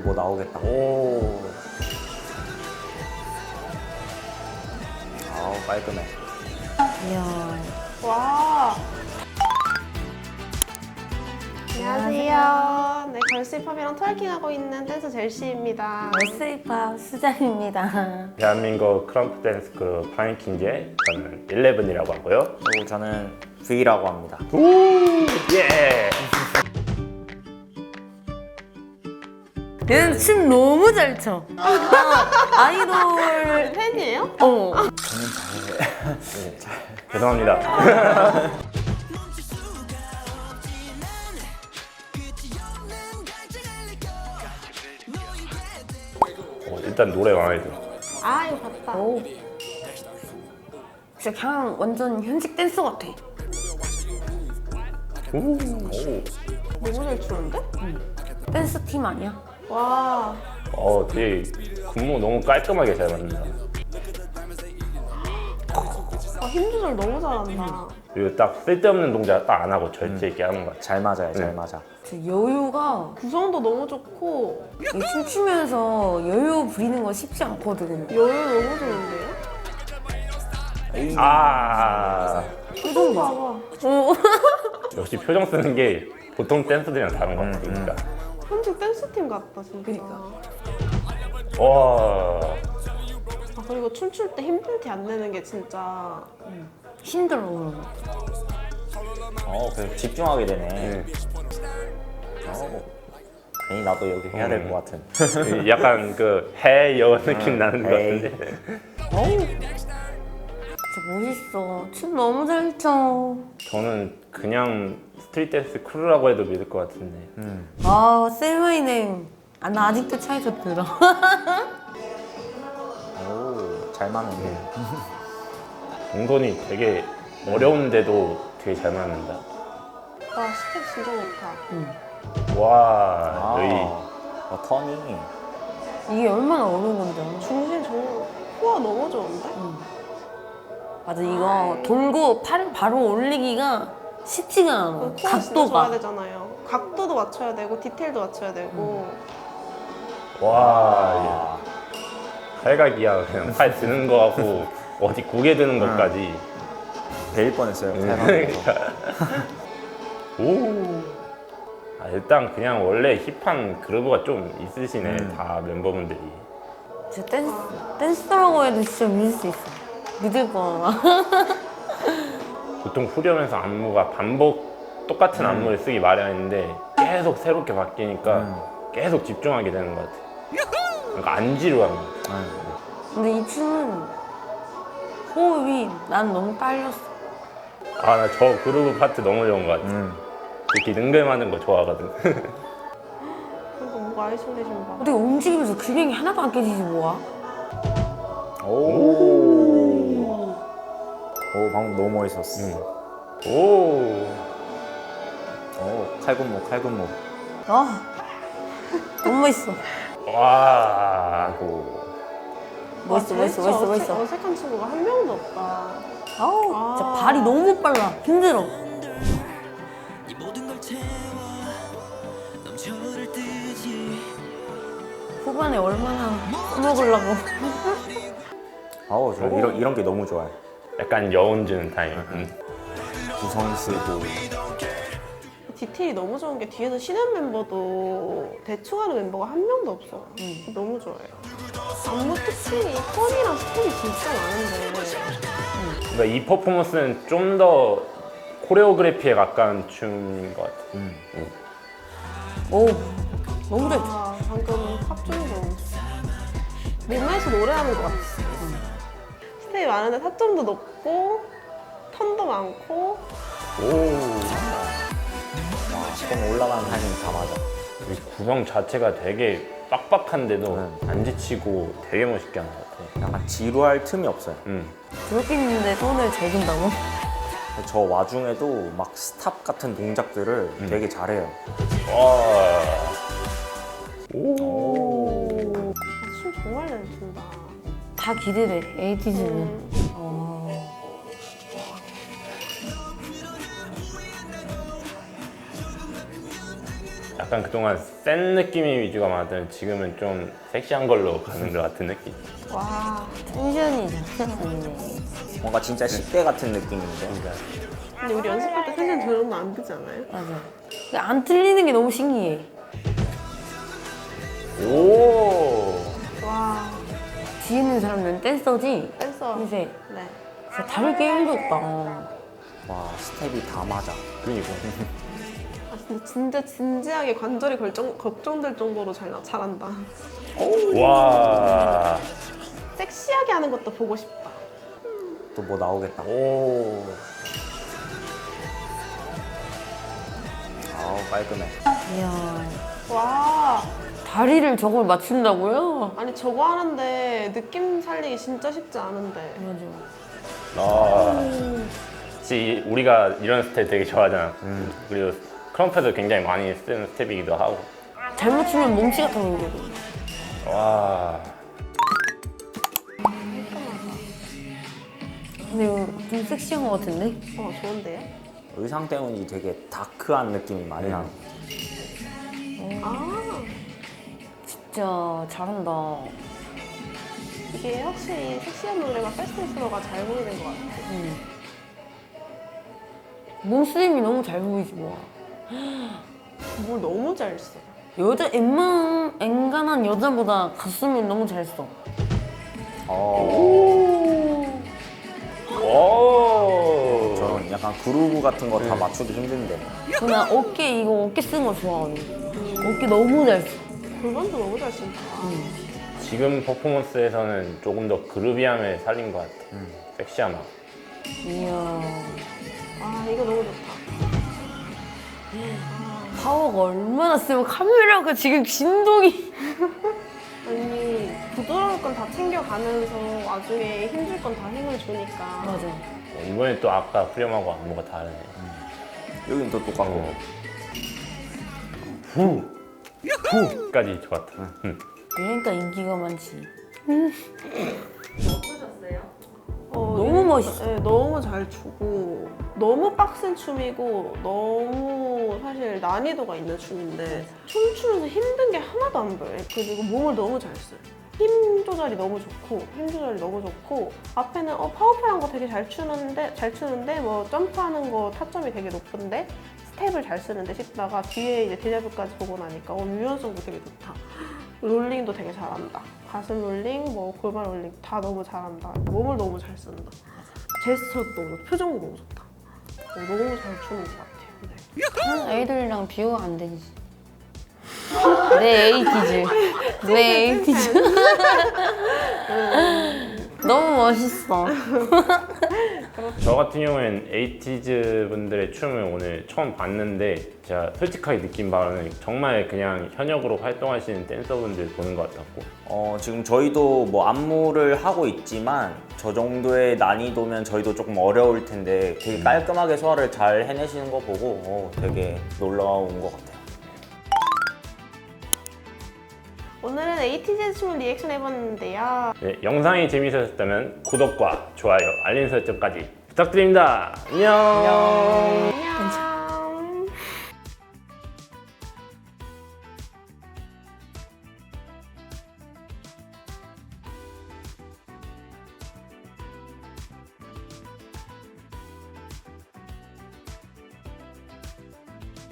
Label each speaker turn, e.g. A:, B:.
A: 뭐 나오겠다.
B: 오.
A: 아우 깔끔해.
C: 이야.
D: 와. 안녕하세요. 네, 걸스힙합이랑 트월킹하고 있는 댄서 젤시입니다.
C: 월스힙합 수장입니다.
B: 대한민국 크럼프 댄스 그룹 파인킹즈의 저는 11이라고 하고요.
A: 그리고 저는 V라고 합니다.
B: 오! 예!
C: 얘는 춤 너무 잘 춰. 아이돌.
D: 팬이에요?
C: 어.
B: 죄송합니다. 일단 노래 마음에 들어.
D: 아, 이거 봤다.
C: 오. 진짜 그냥 완전 현직 댄서 같아.
B: 오.
D: 너무 잘 추는데?
C: 댄스 팀 아니야?
D: 와.
B: 되게 근무 너무 깔끔하게 잘 만든다.
D: 힘 조절 너무 잘한다.
B: 그리고 딱 쓸데없는 동작 딱 안 하고 절제 있게 하는 것 같아.
A: 잘 맞아요, 잘 맞아.
C: 저 여유가
D: 구성도 너무 좋고
C: 이 춤추면서 여유 부리는 거 쉽지 않거든.
D: 여유 너무 좋은데요?
B: 아,
D: 표정 봐봐.
C: 어.
B: 역시 표정 쓰는 게 보통 댄서들이랑 다른 것 같아. 그러니까.
D: 현직 댄스팀 같다 진짜.
C: 그러니까.
B: 와.
D: 아, 그리고 춤출 때 힘든 티 안 내는 게 진짜
C: 힘들어.
A: 그래서 집중하게 되네.
B: 네.
A: 괜히 나도 여기 해야 될 것 같은.
B: 약간 그 해여 느낌 나는 것
A: 에이.
B: 같은데.
C: 어우. 진짜 멋있어. 춤 너무 잘 춰.
B: 저는 그냥 스트릿 댄스 크루라고 해도 믿을 것 같은데.
C: 아, Say My Name. 아, 나 아직도 차에서 들어.
A: 오, 잘 맞네.
B: 동선이 되게 어려운데도 되게 잘 맞는다.
D: 와 스텝 진짜 좋다.
B: 와, 여기.
A: 턴이.
C: 이게 얼마나 어려운 건데.
D: 중심 정말 호화 너무 좋은데?
C: 맞아, 이거 돌고 팔 바로 올리기가 쉽지가 않아.
D: 호화 진짜 줘야
C: 각도가.
D: 되잖아요. 각도도 맞춰야 되고 디테일도 맞춰야 되고.
B: 와, 팔각이야. 그냥 팔 드는 거하고 어디 고개 드는 것까지.
A: 베일 뻔했어요. 잘
B: 그러니까.
A: 맞아서.
B: 오. 일단 그냥 원래 힙한 그루브가 좀 있으시네. 다 멤버분들이.
C: 진짜 댄스라고 해도 진짜 믿을 수 있어. 믿을 거야.
B: 보통 후렴에서 안무가 똑같은 안무를 쓰기 마련인데 계속 새롭게 바뀌니까 계속 집중하게 되는 것 같아. 그러니까 안 지루한 것 같아.
C: 근데 이 춤은 호흡이 난 너무 딸렸어.
B: 나 저 그루브 파트 너무 좋은 것 같아. 이렇게 능글맞는 거 좋아하거든.
D: 그리고 뭔가 아이솔레이션 봐.
C: 어떻게 움직이면서 균형이 하나도 안 깨지지 뭐야?
A: 오, 방금 너무 멋있었어.
B: 오.
A: 칼군무.
C: 아, 너무 멋있어.
B: 와.
C: 멋있어.
D: 어색한 친구가 한 명도 없다.
C: 아우, 진짜 발이 너무 빨라. 힘들어. 후반에 얼마나 써먹으려고.
A: 저 이런 게 너무 좋아요.
B: 약간 여운 주는 타임.
A: 구성 쓰고.
D: 디테일이 너무 좋은 게 뒤에서 쉬는 멤버도 대충 하는 멤버가 한 명도 없어. 너무 좋아해요. 안무 특징이 턴이랑 스텝이 진짜 많은데
B: 그러니까 이 퍼포먼스는 좀 더 코레오그래피에 가까운 춤인 것 같아.
C: 오, 너무 잘 춰.
D: 방금 탑점도 몸에서 노래하는 것 같아. 스텝이 많은데 타점도 높고 턴도 많고
B: 오.
A: 조금 올라가는 타이밍 다 맞아.
B: 이 구성 자체가 되게 빡빡한데도 안 지치고 되게 멋있게 하는 것 같아.
A: 약간 지루할 틈이 없어요.
C: 그렇게 있는데 손을 재준다고?
A: 저 와중에도 막 스탑 같은 동작들을 되게 잘해요.
B: 와. 오.
D: 춤 정말 잘 춘다.
C: 다 기대돼, 에이티즈는.
B: 약간 약간 그동안 센 느낌의 위주가 많았더니 지금은 좀 섹시한 걸로 가는 것 같은 느낌.
D: 와.
C: 텐션이 자체가 아니네.
A: 뭔가 진짜 10대 같은 느낌인데.
D: 근데 우리 연습할 때 텐션 저 정도 안 되지 않아요?
C: 맞아. 근데 안 틀리는 게 너무 신기해.
B: 오.
D: 와.
C: 뒤에 있는 사람은 댄서지?
D: 댄서.
C: 이제
D: 네.
C: 진짜 다를 게 1도 없다.
A: 와, 스텝이 다 맞아.
B: 그러니까.
D: 아, 근데 진짜 진지하게 관절이 걱정될 정도로 잘한다.
B: 와.
D: 섹시하게 하는 것도 보고 싶다.
A: 또 뭐 나오겠다.
B: 오.
A: 아우, 깔끔해.
C: 이야.
D: 와.
C: 다리를 저걸 맞춘다고요?
D: 아니 저거 하는데 느낌 살리기 진짜 쉽지 않은데.
C: 맞아.
B: 아. 혹시 우리가 이런 스텝 되게 좋아하잖아. 그리고 크럼프도 굉장히 많이 쓰는 스텝이기도 하고.
C: 잘못 추면 몸치가 터지거든.
B: 와.
C: 근데 이거 좀 섹시한 것 같은데?
D: 좋은데요?
A: 의상 때문인지 되게 다크한 느낌이 많이 나는 것
D: 아
C: 진짜 잘한다.
D: 이게 확실히 섹시한 노래가 패스트스로가 잘 보이는 것 같아.
C: 몸쓰림이 너무 잘 보이지 뭐.
D: 뭘 너무 잘 써.
C: 여자 앵간한 여자보다 가슴이 너무 잘 써.
B: 오.
A: 저는 약간 그루브 같은 거 다 맞추기 힘든데.
C: 그냥 어깨 쓰는 거 좋아하거든. 어깨 너무 잘 써.
D: 골반도 너무 잘 쓴다.
B: 지금 퍼포먼스에서는 조금 더 그루비함을 살린 것 같아. 섹시함.
C: 이야.
D: 아 이거 너무 좋다.
C: 파워가 얼마나 세면 카메라가 지금 진동이.
D: 아니 부드러울 건 다 챙겨가면서 나중에 힘줄 건 다 힘을 주니까.
C: 맞아.
B: 이번에 또 아까 프리엄하고 안무가 다르네.
A: 여긴 또 똑같고.
B: 후까지 좋았다.
C: 그러니까 인기가 많지.
D: 너무
C: 멋있어.
D: 네, 너무 잘 추고 너무 빡센 춤이고 너무 사실 난이도가 있는 춤인데 춤추면서 힘든 게 하나도 안 보여요. 그리고 몸을 너무 잘 써요. 힘 조절이 너무 좋고 앞에는 파워풀한 거 되게 잘 추는데 뭐 점프하는 거 타점이 되게 높은데 스텝을 잘 쓰는데 싶다가 뒤에 이제 데자뷰까지 보고 나니까 유연성도 되게 좋다. 롤링도 되게 잘한다. 가슴 롤링, 뭐 골반 롤링 다 너무 잘한다. 몸을 너무 잘 쓴다. 제스처도 너무 좋고 표정도 너무 좋다. 너무 잘 추는 것 같아요. 네.
C: 다른 아이돌이랑 비교가 안 되지. 내 에이티즈. 내 에이티즈. 너무 멋있어.
B: 저 같은 경우에는 에이티즈 분들의 춤을 오늘 처음 봤는데 제가 솔직하게 느낀 바로는 정말 그냥 현역으로 활동하시는 댄서분들 보는 것 같았고
A: 지금 저희도 뭐 안무를 하고 있지만 저 정도의 난이도면 저희도 조금 어려울 텐데 되게 깔끔하게 소화를 잘 해내시는 거 보고 되게 놀라운 것 같아요.
D: 오늘은 에이티즈 춤을 리액션 해봤는데요.
B: 네, 영상이 재미있었다면 구독과 좋아요, 알림 설정까지 부탁드립니다. 안녕.